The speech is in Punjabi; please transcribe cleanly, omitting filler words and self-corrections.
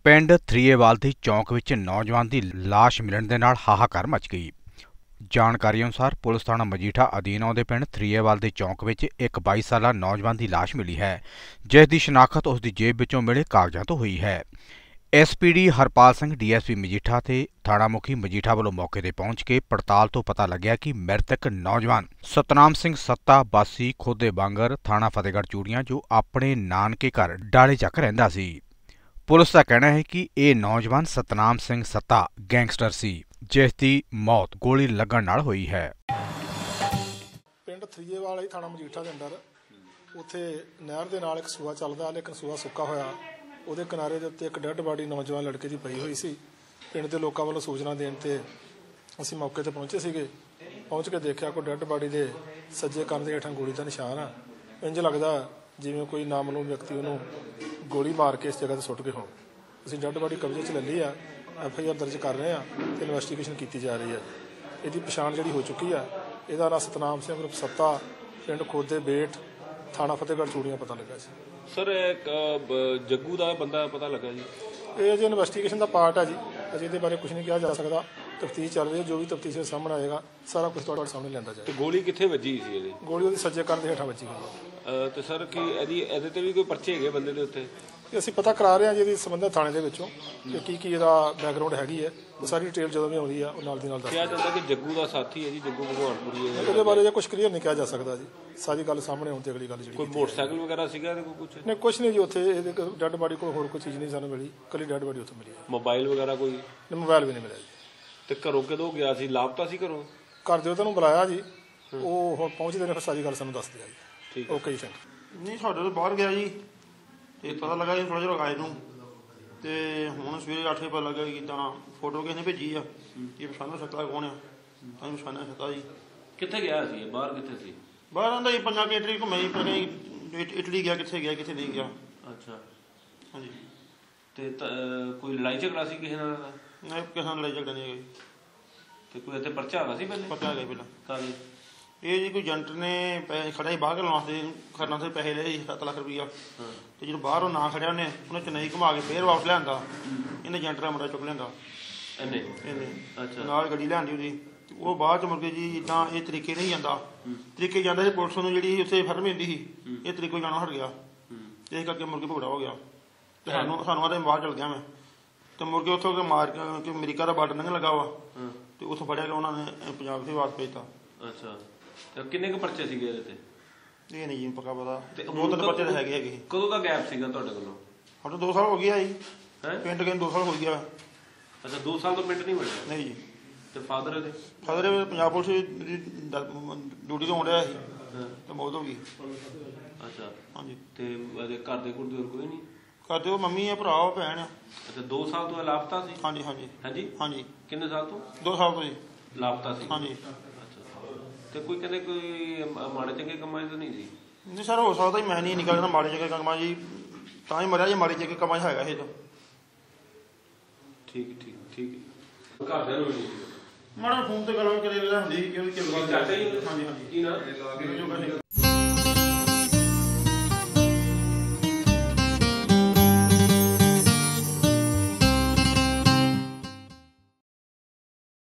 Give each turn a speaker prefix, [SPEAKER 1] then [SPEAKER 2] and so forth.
[SPEAKER 1] ਪਿੰਡ ਥਰੀਏਵਾਲ ਦੀ ਚੌਂਕ ਵਿੱਚ ਨੌਜਵਾਨ ਦੀ ਲਾਸ਼ ਮਿਲਣ ਦੇ ਨਾਲ ਹਾਹਾਕਾਰ ਮਚ ਗਈ। ਜਾਣਕਾਰੀ ਅਨੁਸਾਰ ਪੁਲਿਸ ਥਾਣਾ ਮਜੀਠਾ ਅਧੀਨ ਆਉਂਦੇ ਪਿੰਡ ਥਰੀਏਵਾਲ ਦੇ ਚੌਂਕ ਵਿੱਚ ਇੱਕ 22 ਸਾਲਾ ਨੌਜਵਾਨ ਦੀ ਲਾਸ਼ ਮਿਲੀ ਹੈ, ਜਿਸ ਦੀ ਸ਼ਨਾਖਤ ਉਸ ਦੀ ਜੇਬ ਵਿੱਚੋਂ ਮਿਲੇ ਕਾਗਜ਼ਾਂ ਤੋਂ ਹੋਈ ਹੈ। ਐਸਪੀਡੀ ਹਰਪਾਲ ਸਿੰਘ ਡੀਐਸਪੀ ਮਜੀਠਾ ਤੇ ਥਾਣਾ ਮੁਖੀ ਮਜੀਠਾ ਵੱਲੋਂ ਮੌਕੇ ਤੇ ਪਹੁੰਚ ਕੇ ਪੜਤਾਲ ਤੋਂ ਪਤਾ ਲੱਗਿਆ ਕਿ ਮ੍ਰਿਤਕ ਨੌਜਵਾਨ ਸਤਨਾਮ ਸਿੰਘ ਸੱਤਾ ਵਾਸੀ ਖੋਦੇ ਬਾਂਗਰ ਥਾਣਾ ਫਤਿਹਗੜ੍ਹ ਚੂੜੀਆਂ ਜੋ ਆਪਣੇ ਨਾਨਕੇ ਘਰ ਡਾਲੇ ਚੱਕ ਰਹਿੰਦਾ ਸੀ। ਪੁਲਿਸ ਦਾ ਕਹਿਣਾ ਹੈ ਕਿ ਇਹ ਨੌਜਵਾਨ ਸਤਨਾਮ ਸਿੰਘ ਸੱਤਾ ਗੈਂਗਸਟਰ ਸੀ, ਜਿਸ ਦੀ ਮੌਤ ਗੋਲੀ ਲੱਗਣ ਨਾਲ ਹੋਈ ਹੈ।
[SPEAKER 2] ਪਿੰਡ ਥਰੀਏਵਾਲ ਹੀ ਥਾਣਾ ਮਜੀਠਾ ਦੇ ਅੰਦਰ ਉੱਥੇ ਨਹਿਰ ਦੇ ਨਾਲ ਇੱਕ ਸੂਆ ਚੱਲਦਾ, ਲੇਕਿਨ ਸੂਆ ਸੁੱਕਾ ਹੋਇਆ। ਉਹਦੇ ਕਿਨਾਰੇ ਦੇ ਉੱਤੇ ਇੱਕ ਡੈੱਡ ਬਾਡੀ ਨੌਜਵਾਨ ਲੜਕੇ ਦੀ ਪਈ ਹੋਈ ਸੀ। ਪਿੰਡ ਦੇ ਲੋਕਾਂ ਵੱਲੋਂ ਸੂਚਨਾ ਦੇਣ ਤੇ ਅਸੀਂ ਮੌਕੇ ਤੇ ਪਹੁੰਚੇ ਸੀਗੇ। ਪਹੁੰਚ ਕੇ ਦੇਖਿਆ ਕੋਈ ਡੈੱਡ ਬਾਡੀ ਦੇ ਸੱਜੇ ਕੰਨ ਦੇ ਹੇਠਾਂ ਗੋਲੀ ਦਾ ਨਿਸ਼ਾਨ ਆ। ਇੰਝ ਲੱਗਦਾ ਜਿਵੇਂ ਕੋਈ ਨਾਮਾਲੂਮ ਵਿਅਕਤੀ ਉਹਨੂੰ ਗੋਲੀ ਮਾਰ ਕੇ ਇਸ ਜਗ੍ਹਾ ਤੇ ਸੁੱਟ ਗਏ ਹੋਣ। ਅਸੀਂ ਡੈੱਡ ਬਾਡੀ ਕਬਜ਼ੇ 'ਚ ਲੈ ਲਈ ਆ, FIR ਦਰਜ ਕਰ ਰਹੇ ਆ ਤੇ ਇਨਵੈਸਟੀਗੇਸ਼ਨ ਕੀਤੀ ਜਾ ਰਹੀ ਹੈ। ਇਹਦੀ ਪਛਾਣ ਜਿਹੜੀ ਹੋ ਚੁੱਕੀ ਆ, ਇਹਦਾ ਨਾਂ ਸਤਨਾਮ ਸਿੰਘ ਉਰਫ ਸੱਤਾ, ਪਿੰਡ ਖੋਦੇ ਬੇਟ, ਥਾਣਾ ਫਤਿਹਗੜ੍ਹ ਚੂੜੀਆਂ ਪਤਾ ਲੱਗਾ ਸੀ।
[SPEAKER 3] ਸਰ ਜੱਗੂ ਦਾ ਬੰਦਾ ਪਤਾ ਲੱਗਾ ਜੀ?
[SPEAKER 2] ਇਹ ਅਜੇ ਇਨਵੈਸਟੀਗੇਸ਼ਨ ਦਾ ਪਾਰਟ ਹੈ ਜੀ, ਅਜੇ ਇਹਦੇ ਬਾਰੇ ਕੁਝ ਨਹੀਂ ਕਿਹਾ ਜਾ ਸਕਦਾ। ਤਫਤੀਸ਼ ਚੱਲ ਰਹੀ ਹੈ, ਜੋ ਵੀ ਤਫਤੀਸ਼ ਦੇ ਸਾਹਮਣੇ ਆਏਗਾ ਸਾਰਾ ਕੁਝ ਤੁਹਾਡੇ ਸਾਹਮਣੇ ਲਿਆਂਦਾ ਜਾਏਗਾ।
[SPEAKER 3] ਤੇ ਗੋਲੀ ਕਿੱਥੇ ਵੱਜੀ ਸੀ ਇਹਦੀ?
[SPEAKER 2] ਗੋਲੀ ਉਹਦੀ ਸੱਜੇ ਕੰਨ ਦੇ ਹੇਠਾਂ ਵੱਜੀ ਗਈ।
[SPEAKER 3] ਤੇ ਸਰ ਕੀ ਇਹਦੇ ਤੇ ਵੀ ਕੋਈ ਪਰਚੇ ਹੈਗੇ ਬੰਦੇ ਦੇ ਉੱਤੇ?
[SPEAKER 2] ਅਸੀਂ ਪਤਾ ਕਰਾ ਰਹੇ ਹਾਂ ਜੀ ਇਹਦੀ ਸੰਬੰਧਿਤ ਥਾਣੇ ਦੇ ਵਿੱਚੋਂ ਕਿ ਕੀ ਇਹਦਾ ਬੈਕਗਰਾਊਂਡ ਹੈਗੀ ਹੈ। ਉਹ ਸਾਰੀ ਡਿਟੇਲ ਜਦੋਂ ਵੀ ਆਉਂਦੀ ਆ ਉਹ ਨਾਲ ਦੀ ਨਾਲ ਦੱਸ
[SPEAKER 3] ਕਿਹਾ ਜਾਂਦਾ ਕਿ ਜੱਗੂ ਦਾ ਸਾਥੀ ਹੈ ਜੀ, ਜੱਗੂ ਭਗਵਾਨਪੁਰੀ ਹੈ।
[SPEAKER 2] ਉਹਦੇ ਬਾਰੇ ਕੁਝ ਕਲੀਅਰ ਨਹੀਂ ਕਿਹਾ ਜਾ ਸਕਦਾ ਜੀ। ਸਾਰੀ ਗੱਲ ਸਾਹਮਣੇ ਆਉਣ ਤੇ ਅਗਲੀ ਗੱਲ ਜਿਹੜੀ
[SPEAKER 3] ਕੋਈ ਮੋਟਰਸਾਈਕਲ ਵਗੈਰਾ ਸੀਗਾ ਇਹਦੇ ਕੋਲ? ਕੁਝ
[SPEAKER 2] ਨਹੀਂ, ਕੁਝ ਨਹੀਂ ਜੀ। ਉੱਥੇ ਇਹਦੇ ਡੈੱਡ ਬਾਡੀ ਕੋਲ ਹੋਰ ਕੋਈ ਚੀਜ਼ ਨਹੀਂ ਸਾਨੂੰ ਮਿਲੀ, ਇਕੱਲੀ ਡੈੱਡ ਬਾਡੀ ਉੱਥੇ ਮਿਲੀ ਹੈ।
[SPEAKER 3] ਮੋਬਾਈਲ ਵਗੈਰਾ ਕੋਈ?
[SPEAKER 2] ਮੋਬਾਈਲ ਵੀ ਨਹੀਂ ਮਿਲਿਆ ਜੀ।
[SPEAKER 3] ਤੇ ਘਰੋਂ ਕਦੋਂ ਗਿਆ ਸੀ? ਲਾਪਤਾ ਸੀ ਘਰੋਂ?
[SPEAKER 2] ਘਰ ਦੇ ਉਹਨੂੰ ਬੁਲਾਇਆ ਜੀ, ਉਹ ਹੁਣ ਪਹੁੰਚਦੇ ਨੇ, ਫਿਰ ਸਾਰੀ ਗੱਲ ਸਾਨੂੰ ਦੱਸਦੇ ਆ ਜੀ।
[SPEAKER 3] ਠੀਕ,
[SPEAKER 2] ਓਕੇ ਜੀ।
[SPEAKER 4] ਨਹੀਂ, ਸਾਡੇ ਤੋਂ ਬਾਹਰ ਗਿਆ ਜੀ ਤੇ ਪਤਾ ਲੱਗਾ ਜੀ ਥੋੜ੍ਹਾ ਜਿਹਾ ਆਏ ਨੂੰ, ਤੇ ਹੁਣ ਸਵੇਰੇ 8 ਵਜੇ ਪਤਾ ਲੱਗਾ ਕਿ ਇੱਦਾਂ ਫੋਟੋ ਕਿਸੇ ਨੇ ਭੇਜੀ ਆ ਕਿ ਪਛਾਣੋ ਸਕਦਾ ਕੌਣ ਆ। ਤਾਂ ਪਛਾਣਿਆ ਸਕਦਾ ਜੀ।
[SPEAKER 3] ਕਿੱਥੇ ਗਿਆ ਸੀ? ਬਾਹਰ ਕਿੱਥੇ ਸੀ?
[SPEAKER 4] ਬਾਹਰ ਆਉਂਦਾ ਜੀ, ਪੰਜਾਂ ਇਟਲੀ ਘੁੰਮਿਆ ਜੀ, ਪਰ ਇਟਲੀ ਗਿਆ, ਕਿੱਥੇ ਗਿਆ ਕਿੱਥੇ ਨਹੀਂ ਗਿਆ।
[SPEAKER 3] ਅੱਛਾ,
[SPEAKER 4] ਹਾਂਜੀ।
[SPEAKER 3] ਤੇ ਕੋਈ ਲੜਾਈ ਝਗੜਾ ਸੀ ਕਿਸੇ ਨਾਲ?
[SPEAKER 4] ਨਹੀਂ, ਕਿਸੇ ਨਾਲ ਲੜਾਈ ਝਗੜਾ ਨਹੀਂ ਹੈਗਾ ਜੀ।
[SPEAKER 3] ਤੇ ਕੋਈ ਇੱਥੇ ਪਰਚਾ ਹੈਗਾ ਸੀ ਪਹਿਲੇ?
[SPEAKER 4] ਪਤਾ ਹੈਗਾ ਪਹਿਲਾਂ।
[SPEAKER 3] ਕਾਹਦੇ?
[SPEAKER 4] ਇਹ ਜੀ ਕੋਈ ਏਜੰਟ ਨੇ ਪੈਸੇ ਖੜਿਆ ਸੀ ਬਾਹਰ ਲਾਉਣ ਵਾਸਤੇ, ਖਰਨਾ ਤੇ ਪੈਸੇ ਲਏ ਸੀ 7 ਲੱਖ ਰੁਪਈਆ। ਤੇ ਜਦੋਂ ਬਾਹਰ ਉਹ ਨਾ ਖੜਿਆ ਉਹਨੇ ਚੇਨਈ ਘੁਮਾ ਕੇ ਫੇਰ ਵਾਪਸ ਲਿਆਂਦਾ। ਇਹਨੇ ਏਜੰਟ ਦਾ ਮੁੰਡਾ ਚੁੱਕ ਲਿਆਂਦਾ ਇਹਨੇ।
[SPEAKER 3] ਅੱਛਾ।
[SPEAKER 4] ਨਾਲ ਗੱਡੀ ਲਿਆਂਦੀ ਉਹਦੀ। ਉਹ ਬਾਅਦ ਚ ਮੁੜ ਕੇ ਜੀ ਇੱਦਾਂ ਇਹ ਤਰੀਕੇ ਨਹੀਂ ਜਾਂਦਾ, ਤਰੀਕੇ ਜਾਂਦਾ ਸੀ ਪੁਲਿਸ ਨੂੰ ਜਿਹੜੀ ਉੱਥੇ ਫਰਮ ਹੁੰਦੀ ਸੀ, ਇਹ ਤਰੀਕੇ ਜਾਣਾ ਹਟ ਗਿਆ। ਇਸ ਕਰਕੇ ਮੁੜ ਕੇ ਭਗੜਾ ਹੋ ਗਿਆ ਤੇ ਸਾਨੂੰ ਆਦੇ ਬਾਹਰ ਚਲ ਗਿਆ ਮੈਂ। ਤੇ ਮੁੜ ਕੇ ਉੱਥੋਂ ਮਾਰ ਕੇ ਅਮਰੀਕਾ ਦਾ ਬਾਰਡਰ ਲੰਘਣ ਲੱਗਾ ਵਾ ਤੇ ਉੱਥੋਂ ਫੜਿਆ ਗਿਆ ਉਹਨਾਂ ਨੇ, ਪੰਜਾਬ ਦੇ ਵਾਪਸ ਭੇਜਤਾ।
[SPEAKER 3] ਅੱਛਾ। ਤੇ ਕਿੰਨੇ ਕੁ ਪਰਚੇ ਸੀਗੇ ਇਹਦੇ ਤੇ?
[SPEAKER 4] ਇਹ ਨਹੀਂ ਜੀ ਪੱਕਾ ਪਤਾ। 2-3 ਪਰਚੇ ਤਾਂ ਹੈਗੇ।
[SPEAKER 3] ਕਦੋਂ ਦਾ ਗੈਪ ਸੀਗਾ ਤੁਹਾਡੇ ਕੋਲੋਂ?
[SPEAKER 4] ਸਾਡੇ 2 ਸਾਲ ਹੋ ਗਿਆ ਜੀ।
[SPEAKER 3] ਹੈ
[SPEAKER 4] ਪਿੰਡ ਗਏ 2 ਸਾਲ ਹੋ ਗਿਆ।
[SPEAKER 3] ਅੱਛਾ, 2 ਸਾਲ ਤੋਂ ਪਿੰਡ ਨਹੀਂ ਮਿਲਿਆ?
[SPEAKER 4] ਨਹੀਂ ਜੀ।
[SPEAKER 3] ਤੇ ਫਾਦਰ ਇਹਦੇ?
[SPEAKER 4] ਫਾਦਰ ਪੰਜਾਬ ਪੁਲਿਸ ਡਿਊਟੀ ਤੋਂ ਆਉਂਦਾ ਸੀ ਤੇ ਮੌਤ ਹੋ ਗਈ।
[SPEAKER 3] ਅੱਛਾ।
[SPEAKER 4] ਹਾਂਜੀ।
[SPEAKER 3] ਤੇ ਇਹਦੇ ਘਰ ਦੇ ਕੋਲ ਹੋਰ ਕੋਈ ਨਹੀਂ?
[SPEAKER 4] ਕਰਦੇ ਉਹ ਮੰਮੀ ਆ, ਭਰਾ ਭੈਣ ਆ।
[SPEAKER 3] ਅੱਛਾ, 2 ਸਾਲ ਤੋਂ ਲਾਪਤਾ ਸੀ?
[SPEAKER 4] ਹਾਂਜੀ ਹਾਂਜੀ
[SPEAKER 3] ਹਾਂਜੀ।
[SPEAKER 4] ਹਾਂਜੀ।
[SPEAKER 3] ਕਿੰਨੇ ਸਾਲ ਤੋਂ?
[SPEAKER 4] 2 ਸਾਲ ਤੋਂ ਜੀ
[SPEAKER 3] ਲਾਪਤਾ ਸੀ?
[SPEAKER 4] ਹਾਂਜੀ।
[SPEAKER 3] ਤੇ ਕੋਈ ਕਹਿੰਦੇ ਕੋਈ ਮਾੜੇ ਚੰਗੇ ਕੰਮਾਂ 'ਚ ਤਾਂ ਨਹੀਂ ਸੀ?
[SPEAKER 4] ਨਹੀਂ ਸਰ, ਹੋ ਸਕਦਾ ਮੈਂ ਨਹੀਂ ਨਿਕਲਦਾ ਮਾੜੇ ਚੰਗੇ ਕੰਮਾਂ ਜੀ, ਤਾਂ ਹੀ ਮਰਿਆ ਜੀ। ਮਾੜੇ ਚੰਗੇ ਕੰਮਾਂ 'ਚ ਹੈਗਾ ਇਹ ਤਾਂ।
[SPEAKER 3] ਠੀਕ ਠੀਕ ਠੀਕ। ਘਰਦਿਆਂ ਨੂੰ
[SPEAKER 4] ਮਾੜਾ ਫੋਨ ਤੇ ਗੱਲ ਕਰੇ ਹੁੰਦੀ ਸੀ ਕਿ
[SPEAKER 3] ਹਾਂਜੀ ਹਾਂਜੀ।
[SPEAKER 4] ਕੀ ਨਾ